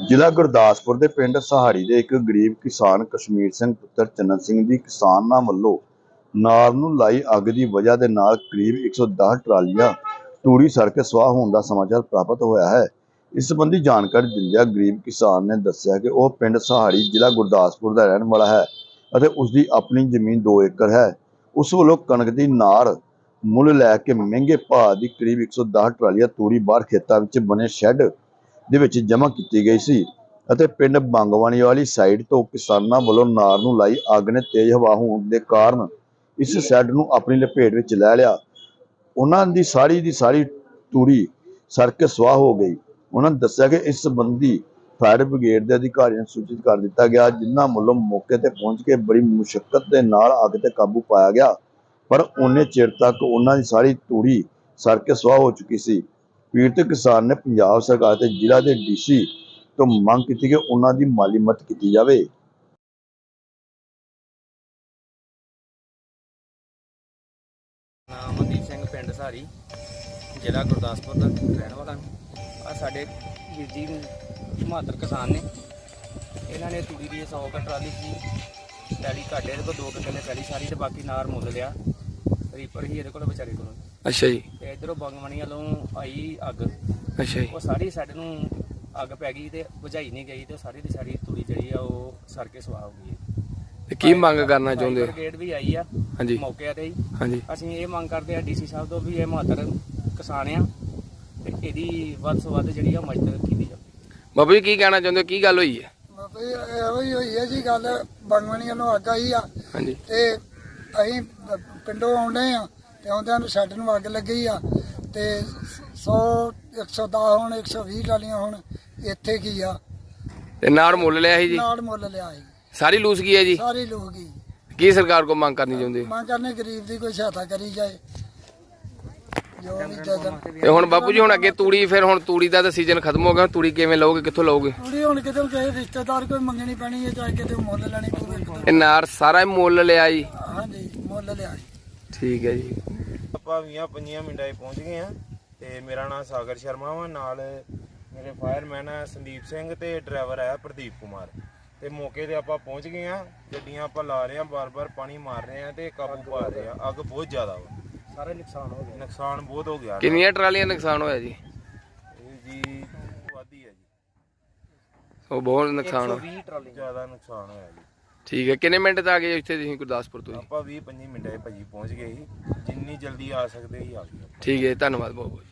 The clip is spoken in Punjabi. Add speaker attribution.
Speaker 1: ਜ਼ਿਲ੍ਹਾ ਗੁਰਦਾਸਪੁਰ ਦੇ ਪਿੰਡ ਸਹਾਰੀ ਦੇ ਇੱਕ ਗਰੀਬ ਕਿਸਾਨ ਕਸ਼ਮੀਰ ਸਿੰਘ ਪੁੱਤਰ ਚੰਨਨ ਸਿੰਘ ਦੀ ਕਿਸਾਨਾਂ ਵੱਲੋਂ ਨਾਰ ਨੂੰ ਲਾਈ ਅੱਗ ਦੀ ਵਜ੍ਹਾ ਦੇ ਨਾਲ ਕਰੀਬ 110 ਟਰਾਲੀਆਂ ਤੂੜੀ ਸੜ ਕੇ ਸਵਾਹ ਹੋਣ ਦਾ ਸਮਾਚਾਰ ਪ੍ਰਾਪਤ ਹੋਇਆ ਹੈ। ਇਸ ਸੰਬੰਧੀ ਜਾਣਕਾਰੀ ਦਿੰਦਿਆਂ ਗਰੀਬ ਕਿਸਾਨ ਨੇ ਦੱਸਿਆ ਕਿ ਉਹ ਪਿੰਡ ਸਹਾਰੀ ਜ਼ਿਲ੍ਹਾ ਗੁਰਦਾਸਪੁਰ ਦਾ ਰਹਿਣ ਵਾਲਾ ਹੈ ਅਤੇ ਉਸ ਦੀ ਆਪਣੀ ਜ਼ਮੀਨ 2 ਏਕੜ ਹੈ। ਉਸ ਵੱਲੋਂ ਕਣਕ ਦੀ ਨਾਰ ਮੁੱਲ ਲੈ ਕੇ ਮਹਿੰਗੇ ਭਾਅ ਦੀ ਕਰੀਬ 110 ਟਰਾਲੀਆਂ ਤੂੜੀ ਬਾਹਰ ਖੇਤਾਂ ਵਿੱਚ ਬਣੇ ਸ਼ੈੱਡ ਦੇ ਵਿੱਚ ਜਮ੍ਹਾਂ ਕੀਤੀ ਗਈ ਸੀ ਅਤੇ ਪਿੰਡ ਬੰਗਵਾਨੀ ਵਾਲੀ ਸਾਈਡ ਤੋਂ ਕਿਸਾਨਾਂ ਵੱਲੋਂ ਨਾਰ ਨੂੰ ਲਾਈ ਅੱਗ ਨੇ ਤੇਜ਼ ਹਵਾ ਹੋਣ ਦੇ ਕਾਰਨ ਇਸ ਸ਼ੈੱਡ ਨੂੰ ਆਪਣੀ ਲਪੇਟ ਵਿੱਚ ਲੈ ਲਿਆ। ਉਹਨਾਂ ਦੀ ਸਾਰੀ ਤੂੜੀ ਸੜ ਕੇ ਸਵਾਹ ਹੋ ਗਈ। ਉਹਨਾਂ ਨੇ ਦੱਸਿਆ ਕਿ ਇਸ ਸੰਬੰਧੀ ਫਾਇਰ ਬ੍ਰਿਗੇਡ ਦੇ ਅਧਿਕਾਰੀਆਂ ਨੂੰ ਸੂਚਿਤ ਕਰ ਦਿੱਤਾ ਗਿਆ, ਜਿਨ੍ਹਾਂ ਵੱਲੋਂ ਮੌਕੇ ਤੇ ਪਹੁੰਚ ਕੇ ਬੜੀ ਮੁਸ਼ੱਕਤ ਦੇ ਨਾਲ ਅੱਗ ਤੇ ਕਾਬੂ ਪਾਇਆ ਗਿਆ, ਪਰ ਉਨੇ ਚਿਰ ਤੱਕ ਉਹਨਾਂ ਦੀ ਸਾਰੀ ਤੂੜੀ ਸੜ ਕੇ ਸਵਾਹ ਹੋ ਚੁੱਕੀ ਸੀ। ਪੀੜਤ ਕਿਸਾਨ ਨੇ ਪੰਜਾਬ ਸਰਕਾਰ ਤੇ ਜ਼ਿਲ੍ਹਾ ਦੇ ਡੀਸੀ ਤੋਂ ਮੰਗ ਕੀਤੀ ਕਿ ਉਹਨਾਂ ਦੀ ਮਾਲੀ ਮਦਦ ਕੀਤੀ ਜਾਵੇ।
Speaker 2: ਅਮਨਦੀਪ ਸਿੰਘ ਪਿੰਡ ਸਹਾਰੀ ਜ਼ਿਲ੍ਹਾ ਗੁਰਦਾਸਪੁਰ ਦਾ ਰਹਿਣ ਵਾਲਾ ਆ। ਸਾਡੇ ਵੀਰ ਜੀ ਬਹਾਦਰ ਕਿਸਾਨ ਨੇ, ਇਹਨਾਂ ਨੇ ਤੂੜੀ ਦੀ 100 ਟਰਾਲੀ ਸੀ ਪੈਲੀ ਘਾਟੇ ਦੇ ਕੋਲ 2 ਕਿੱਲੇ ਪੈਲੀ ਸਾਰੀ ਤੇ ਬਾਕੀ ਨਾਰ ਮੁੱਲ ਲਿਆ ਰੀਪਰ ਹੀ ਇਹਦੇ ਕੋਲ ਵਿਚਾਰੇ ਕੋਲ।
Speaker 3: ਅੱਛਾ ਜੀ।
Speaker 2: ਤੇ ਇਧਰੋਂ ਬੰਗਮਣੀ ਵੱਲੋਂ ਆਈ ਅੱਗ।
Speaker 3: ਅੱਛਾ ਜੀ।
Speaker 2: ਉਹ ਸਾਰੀ ਸਾਡੇ ਨੂੰ ਅੱਗ ਪੈ ਗਈ ਤੇ ਬੁਝਾਈ ਨਹੀਂ ਗਈ ਤੇ ਸਾਰੀ ਦੀ ਸਾਰੀ ਤੂੜੀ ਜਿਹੜੀ ਆ ਉਹ ਸੜ ਕੇ ਸਵਾਹ ਹੋ ਗਈ।
Speaker 3: ਤੇ ਕੀ ਮੰਗ ਕਰਨਾ ਚਾਹੁੰਦੇ ਹੋ?
Speaker 2: ਬ੍ਰਿਗੇਡ ਵੀ ਆਈ ਆ
Speaker 3: ਹਾਂਜੀ
Speaker 2: ਮੌਕੇ ਤੇ ਹੀ।
Speaker 3: ਹਾਂਜੀ।
Speaker 2: ਅਸੀਂ ਇਹ ਮੰਗ ਕਰਦੇ ਆ ਡੀਸੀ ਸਾਹਿਬ ਤੋਂ ਵੀ ਇਹ ਬਹਾਦਰ ਕਿਸਾਨ ਆ ਤੇ ਇਹਦੀ ਵੱਧ ਤੋਂ ਵੱਧ ਜਿਹੜੀ ਆ ਮਦਦ ਕੀਤੀ ਜਾਵੇ।
Speaker 3: ਬਾਬੂ ਜੀ ਕੀ ਕਹਿਣਾ ਚਾਹੁੰਦੇ ਹੋ, ਕੀ ਗੱਲ ਹੋਈ ਹੈ?
Speaker 4: ਬਾਬਾ ਜੀ ਇਹੋ ਹੀ ਹੋਈ ਹੈ ਜੀ ਗੱਲ। ਬੰਗਵਣੀਆਂ ਨੂੰ ਅੱਗ ਆਈ ਆ
Speaker 3: ਹਾਂਜੀ।
Speaker 4: ਤੇ ਅਸੀਂ ਪਿੰਡੋਂ ਆਉਂਦੇ ਆ ਤੇ ਆਉਂਦਿਆਂ ਨੂੰ ਸ਼ੈੱਡ ਨੂੰ ਅੱਗ ਲੱਗੀ ਆ ਤੇ 100 110 ਹੁਣ 120 ਟਰਾਲੀਆਂ ਹੁਣ ਇੱਥੇ ਕੀ ਆ
Speaker 3: ਤੇ ਨਾੜ ਮੁੱਲ ਲਿਆ ਸੀ ਜੀ?
Speaker 4: ਨਾਲ ਮੁੱਲ ਲਿਆ ਸੀ
Speaker 3: ਸਾਰੀ ਲੂਸ ਗਈ ਹੈ ਜੀ?
Speaker 4: ਸਾਰੇ ਲੋਕ ਹੀ।
Speaker 3: ਕੀ ਸਰਕਾਰ ਕੋ ਮੰਗ ਕਰਨੀ ਚਾਹੁੰਦੇ ਹੋ?
Speaker 4: ਮੰਗ ਕਰਨੇ ਗਰੀਬ ਦੀ ਕੋਈ ਸਹਾਇਤਾ ਕਰੀ ਜਾਏ ਜੋ ਵੀ ਜਦਨ।
Speaker 3: ਤੇ ਹੁਣ ਬਾਪੂ ਜੀ ਹੁਣ ਅੱਗੇ ਤੂੜੀ, ਫਿਰ ਹੁਣ ਤੂੜੀ ਦਾ ਤਾਂ ਸੀਜ਼ਨ ਖਤਮ ਹੋ ਗਿਆ, ਤੂੜੀ ਕਿਵੇਂ ਲਓਗੇ, ਕਿੱਥੋਂ ਲਓਗੇ?
Speaker 4: ਥੋੜੀ ਹੁਣ ਕਿਤੇ ਕਿਸੇ ਰਿਸ਼ਤੇਦਾਰ ਕੋਈ ਮੰਗਣੀ ਪੈਣੀ ਹੈ ਚਾਹੇ ਕਿਤੇ ਮੁੱਲ ਲੈਣੀ ਪਊਗੀ।
Speaker 3: ਇਹ ਨਾੜ ਸਾਰਾ ਹੀ ਮੁੱਲ ਲਿਆ ਜੀ?
Speaker 4: ਹਾਂਜੀ ਮੁੱਲ ਲਿਆ ਸੀ।
Speaker 3: ਠੀਕ ਹੈ ਜੀ।
Speaker 5: ਆਪਾਂ 20-25 ਮਿੰਟਾਂ 'ਚ ਪਹੁੰਚ ਗਏ ਆ ਤੇ ਮੇਰਾ ਨਾਮ ਸਾਗਰ ਸ਼ਰਮਾ ਵਾ, ਨਾਲ ਮੇਰੇ ਫਾਇਰਮੈਨ ਆ ਸੰਦੀਪ ਸਿੰਘ ਤੇ ਡਰਾਈਵਰ ਆ ਪ੍ਰਦੀਪ ਕੁਮਾਰ। ਤੇ ਮੌਕੇ ਤੇ ਆਪਾਂ ਪਹੁੰਚ ਗਏ ਆ, ਗੱਡੀਆਂ ਆਪਾਂ ਲਾ ਰਹੇ ਆ, ਬਾਰ-ਬਾਰ ਪਾਣੀ ਮਾਰ ਰਹੇ ਆ ਤੇ ਕਾਬੂ ਪਾ ਰਹੇ ਆ। ਅੱਗ ਬਹੁਤ ਜ਼ਿਆਦਾ ਵਾ,
Speaker 2: ਸਾਰੇ ਨੁਕਸਾਨ ਹੋ ਗਿਆ।
Speaker 5: ਨੁਕਸਾਨ ਬਹੁਤ ਹੋ ਗਿਆ।
Speaker 3: ਕਿੰਨੀਆਂ ਟਰਾਲੀਆਂ ਨੁਕਸਾਨ ਹੋਇਆ ਜੀ?
Speaker 5: ਇਹ ਜੀ ਵਾਦੀ ਹੈ ਜੀ,
Speaker 3: ਉਹ ਬਹੁਤ ਨੁਕਸਾਨ ਹੋਇਆ।
Speaker 2: 120 ਟਰਾਲੀ
Speaker 5: ਜ਼ਿਆਦਾ ਨੁਕਸਾਨ ਹੋਇਆ ਜੀ।
Speaker 3: ਠੀਕ ਹੈ। ਕਿੰਨੇ ਮਿੰਟ 'ਚ ਆ ਗਏ ਇੱਥੇ ਤੁਸੀਂ ਗੁਰਦਾਸਪੁਰ ਤੋਂ ਜੀ?
Speaker 5: ਆਪਾਂ 20-25 ਮਿੰਟਾਂ 'ਚ ਭਾਜੀ ਪਹੁੰਚ ਗਏ ਸੀ, ਜਿੰਨੀ ਜਲਦੀ ਆ ਸਕਦੇ ਸੀ ਆ ਗਏ।
Speaker 3: ਠੀਕ ਹੈ, ਧੰਨਵਾਦ ਬਹੁਤ ਬਹੁਤ।